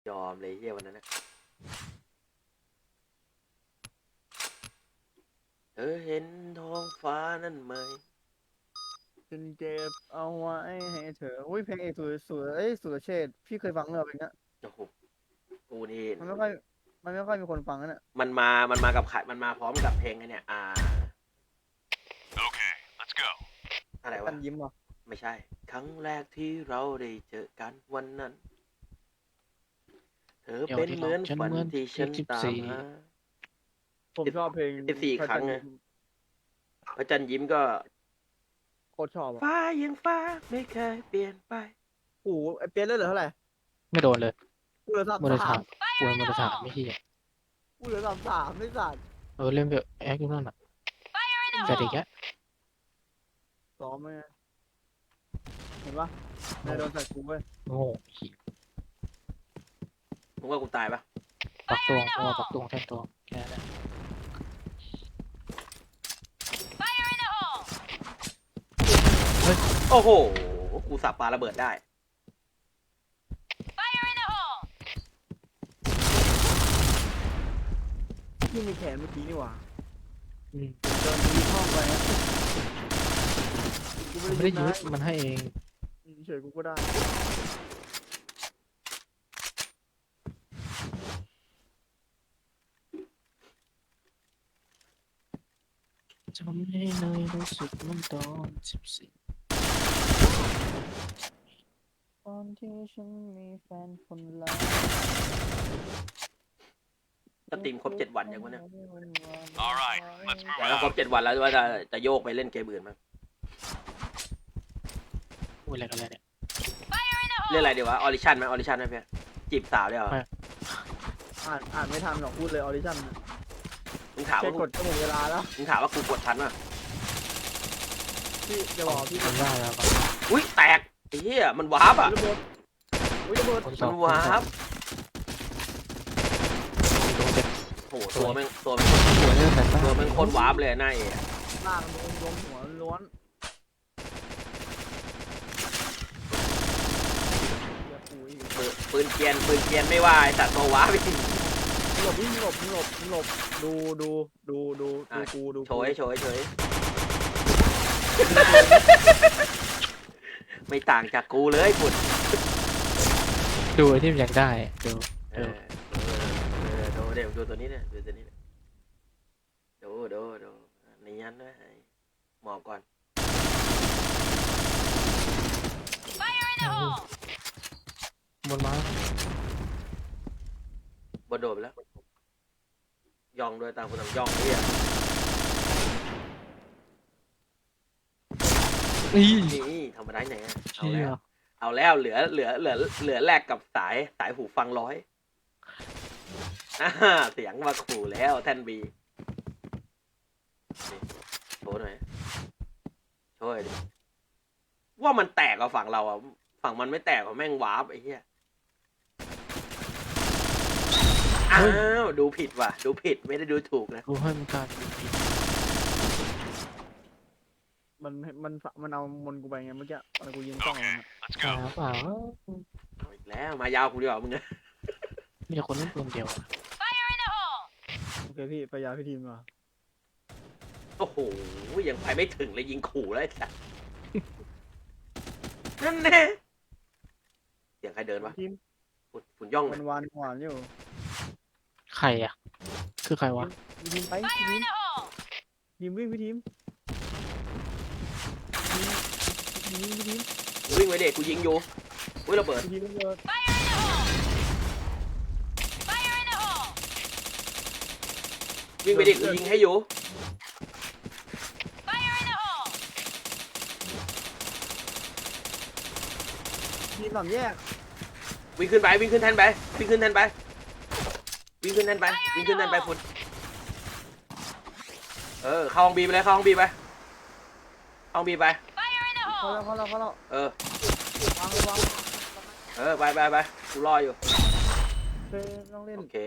ยอมเลยเฮียวันนั้นนะเธอเห็นท้องฟ้านั่นไหมฉันเก็บเอาไว้ให้เธออุ้ยเพลงเอกสุรเชษฐ์พี่เคยฟังเหรอเพลงเนี้ยโอ้โหกูนี่มันไม่ค่อยมันไม่ค่อยมีคนฟังนะเนี่ยมันมากับใครมันมาพร้อมกับเพลงไอ้เนี่ย Okay, let's go. อะไรวะกันยิ้มเหรอไม่ใช่ครั้งแรกที่เราได้เจอกันวันนั้นเธอเป็นเหมือนฝันที่ฉันตามหาผมชอบเพลง 14ครั้งไงพระจันทร์ยิ้มก็โคตรชอบอ่ะฟ้ายังฟ้าไม่เคยเปลี่ยนไปโอ้โหไอเปียนเลยเหลือเท่าไหร่ไม่โดนเลยกูเหลือสามมรสามถถังป่วยมรถถังไม่ใช่กูเหลือ33ไม่สัตว์เล่นแบบแอคอยู่นั่นอ่ะแต่เด็กแกซ้อมไหมเห็นปะนายโดนใส่กูเว้ยโง่ขี้มึงว่ากูตายปะปักตวงเพราะว่าปักตวงแทนตัวแค่นั้นโอ้โหกูสับปาระเบิดได้พี่มีแขนเมื่อกี้นี่หว่าอืมเดินมีห้องไปนะกูมันไม่ได้ยึดนะมันให้เองเฉยกูก็ได้จำให้เลยรู้สึกมันตอน14 ตอนที่ฉันมีแฟนคนแรกสตรีมครบ7 วันยังวะเนี่ย All right, let's แต่ move ถ้าครบ out. 7 วันแล้วว่าจะโยกไปเล่นเกมอื่นมั้งพูดอะไรกันเลยเนี่ยเล่นอะไรดีวะออริชั่นไหมออริชั่นไหมเพี่ยจีบสาวได้เหรออ่านไม่ทันหรอกพูดเลยออดิชั่นมึงถามแค่ว่ากดก็หมดเวลาแล้วมึงถามว่ากูกดทันป่ะพี่จะบอกพี่ทำได้แล้วครับอุ้ยแตกไอ้เหี้ยมันวาร์ปอ่ะระเบิดอุ้ยระเบิดคนสมัอน งวาร์ปโดนเจ็บโหตัวแม่งตัวแม่งหัวเรื่องแต่ตัวแม่งโคตรวาร์ปเลยหน้าเอ๋ล่างลงหัวล้วนอย่าปุ๋ยปืนเกรียนไม่ว่าไอ้สัตว์ตัววาร์ปจริงหลบวิ่งหลบดูกูดูโชยไม่ต่างจากกูเลยปุ่นดูไอ้ที่มันอยากได้ดูดูเดี๋ยวดูตัวนี้เนี่ยดูตัวนี้เนี่ยดูในยันด้วยหมอบก่อนบนม้าบนโดดไปแล้วย่องด้วยตามคนต่างย่องเนี่ยนี่นี่ทำมาได้ไงอะเอาเชี่แล้ยวเอาแล้วเหลือแลกกับสายหูฟัง100เสียงมาขู่แล้วแท่นบีโชว์หน่อยช่วยดิว่ามันแตกกับฝั่งเราอ่ะฝั่งมันไม่แตกกับแม่งวาร์ปไอ้เหี้ยอ้าวดูผิดว่ะดูผิดไม่ได้ดูถูกนะกูให้มันการมันเอามนกูไปไงเมื่อกี้ตอนกูยิงกล้องมัน Let's หา go. เปล่าเอาอีกแล้วมายาวกูดีกว่ามึงนะมีคนเล่นปืนเดียวอะโอเคพี่ไปยาพี่ทีมก่อนโอ้โหยังไปไม่ถึงเลยยิงขู่แล้วไอ้สัสนั่นแน่เสียงใครเดินวะทีมฝุ่นย่องวันวานหวานอยู่ใครอ่ะคือใครวะพี่ทีมไปพี่ทีมวิ่งพี่ทีมพี่ทีมวิ่งไว้เด็กกูยิงอยู่อุ้ยระเบิดพี่ทีมระเบิดวิ่งไปเด็กกูยิงให้อยู่ทีมสามแยกวิ่งขึ้นแทนไปวิ่งขึ้นแทนไปฝุ่นเข้าห้องบีไปเลยเข้าห้องบีไปเขาแล้วเออวางไปกูรออยู่เฮ้ยต้องเล่นโอเค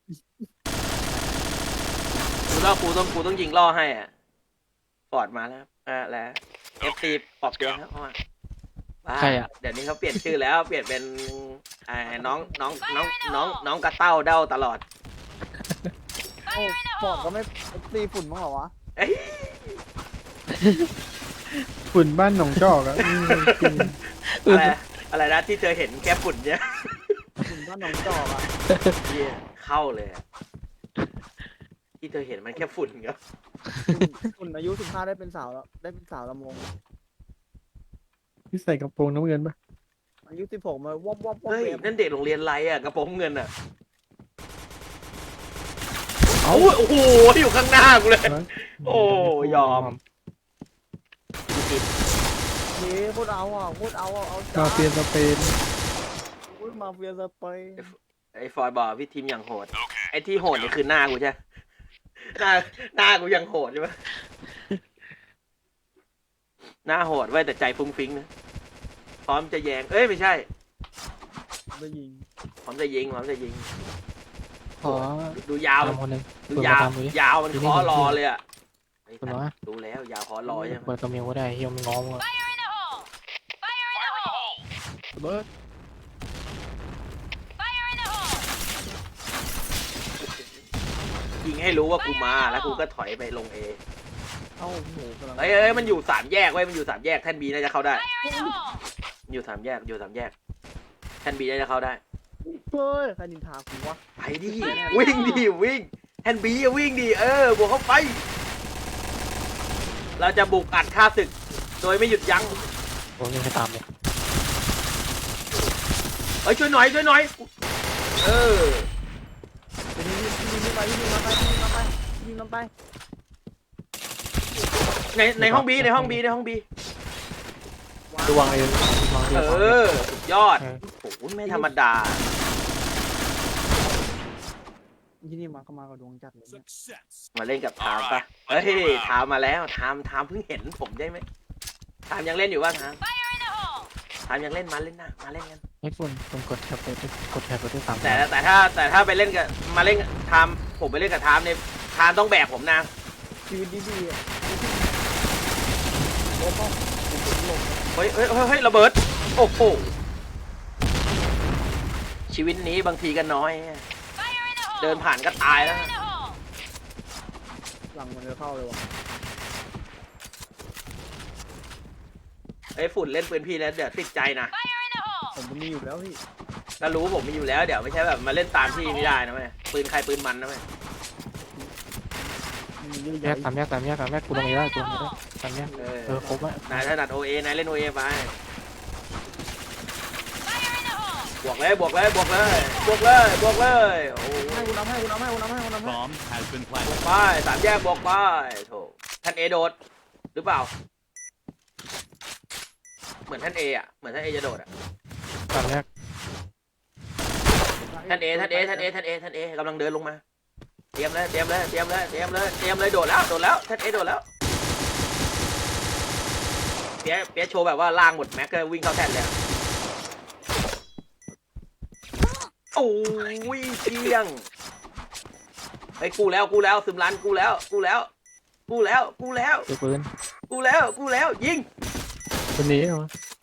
กูต้องยิงล่อให้อ่ะปอดมาแล้วแล้ว FC ปอบเตียงครับเข้ามาไปใครอะเดี๋ยวนี้เขาเปลี่ยนชื่อแล้ว เปลี่ยนเป็นน้องกระเต้าเด้าตลอดโอ้ฟอร์ดก็ไม่ตีฝุ่นมั้งเหรอวะเอ้ยฝุ่นบ้านหนองจอกอะจริงอะไรอะไรนะที่เธอเห็นแค่ฝุ่นเนี่ยฝุ่นบ้านหนองจอกอะเหี้ยเข้าเลยอะที่เธอเห็นมันแค่ฝุ่นครับฝุ่นอายุ15ได้เป็นสาวแล้วได้เป็นสาวลำวงที่ใส่กระโปรงน้ำเงินปะอายุ16มาวับวับวับเฮ้ยเวฟนั่นเด็กโรงเรียนไรอะกระโปรงเงินอะโอ้โหอยู่ข้างหน้ากูเลย โอ้ยอมเฮ้โคตรเอาอ่ะโคตรเอาอ่ะเอามาเฟียสเปนโอ้ยมาเฟียสเปนไอ้ฟอยบอกพี่ทีมอย่างโหด Okay. ไอ้ที่โหดนี่คือหน้ากูใช่หน้ากูยังโหดใช่ไหมหน้าโหดไว้ยแต่ใจฟุ้งฟิ้งนะพร้อมจะแยงเอ้ยไม่ใช่ได้ยิงพร้อมจะยิงพร้อมจะยิงขอดูยาวตามคนหนึ่งดูเปิดยาวตามดูดิยาวมันดูคอนี่รอเลยอ่ะเฮ้ยคุณวะดูแล้วยาวคอรอใช่ไหมเปิดกระเมียวก็ได้เฮียมันง้อมึงอะเบิร์ดยิงให้รู้ว่ากูมาแล้วกูก็ถอยไปลงเอเอ้าโอ้โหกำลังเฮ้ยมันอยู่สามแยกเว้ยมันอยู่สามแยกแท่นบีน่าจะเข้าได้อยู่สามแยกอยู่สามแยกแท่นบีน่าจะเข้าได้เฮ้ยใครนินทากูวะไปดิวิ่งดิวิ่งแท่นบีวิ่งดิบวกเข้าไป เราจะบุกอัดฆ่าศึก โดยไม่หยุดยั้งผมยังไม่ตามเลยเฮ้ยช่วยหน่อยช่วยหน่อยเออไปยิงไปยิงมาไปยิงมาไปยิงมาไปในห้องบีในห้องบีในห้องบีระวังเองระวังเองสุดยอดโอ้โหไม่ธรรมดาที่นี่มาเข้ามากับดวงจัดเลยเนี่ย Success. มาเล่นกับทามปะเฮ้ยทามมาแล้วทามเพิ่งเห็นผมได้ไหมทามยังเล่นอยู่ป่ะทามยังเล่นมาเล่นนะมาเล่นกันไอ้ฝุ่นผมกดแท็บไปด้วยกดแท็บไปด้วยสามแต่ถ้าไปเล่นกับมาเล่นกับทามผมไปเล่นกับทามเนี่ยทามต้องแบกผมนะชีวิตดีๆอ่ะโอ้โหเฮ้ยระเบิดโอ้โหชีวิตนี้บางทีก็น้อย เดินผ่านก็ตายแล้วหลังมันจะเข้าเลยวะไอ้ฝุ่นเล่นปืนพี่แล้วเดี๋ยวติดใจนะผมมันมีอยู่แล้วพี่ก็รู้ผมมีอยู่แล้วเดี๋ยวไม่ใช่แบบมาเล่นตามพี่ไม่ได้นะแม่ปืนใครปืนมันนะแม่มันมีเยอะแยแยะกตามแยกตามแยกตามแยกกูลงนี้ได้กูลงนี้ได้ตามแยกครบแล้วนายถนัดโอเอนายเล่นโอเอไปบวกเลยบวกเลยบวกเลยบวกเลยบวกเลยโอ้ให้กูน้ำให้กูน้ำให้กูน้ำให้กูน้ำให้ Bomb has been บว planted. กไปสามแยกบวกไปโถท่านเอโดดหรือเปล่าเหมือนท่านเออ่ะเหมือนท่านเอจะโดดอ่ะตามแยกท่านเอกำลังเดินลงมาเตรียมเลยโดดแล้วท่านเอโดดแล้วเปียโชว์แบบว่าล่างหมดแม็กก็วิ่งเข้าแท่นเลยอะโอ้ยเที่ยงไอ้ยกูแล้วซึมรันกูแล้วเจอปืนยิงคนนี้เหรอ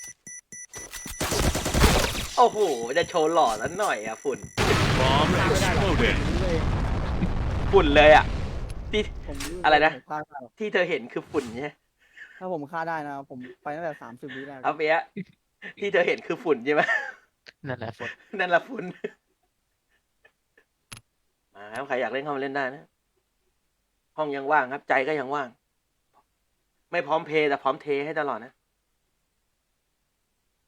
โอ้โหจะโชว์หล่อแล้วหน่อยอ่ะฝุ่น Bomb exploded. ฝุ่นเลยอ่ะที่ผมอะไรนะผมฆ่าได้หรอกที่เธอเห็นคือฝุ่นใช่ถ้าผมฆ่าได้นะผมไปตั้งแต่30 วิแรกเอาเปียที่เธอเห็นคือฝุ่นใช่ไหมนั่นแหละฝุ่นนั่นแหละฝุ่นมาครับใครอยากเล่นเข้ามาเล่นได้นะ ห้องยังว่างครับ ใจก็ยังว่าง ไม่พร้อมเพย์แต่พร้อมเทให้ตลอดนะ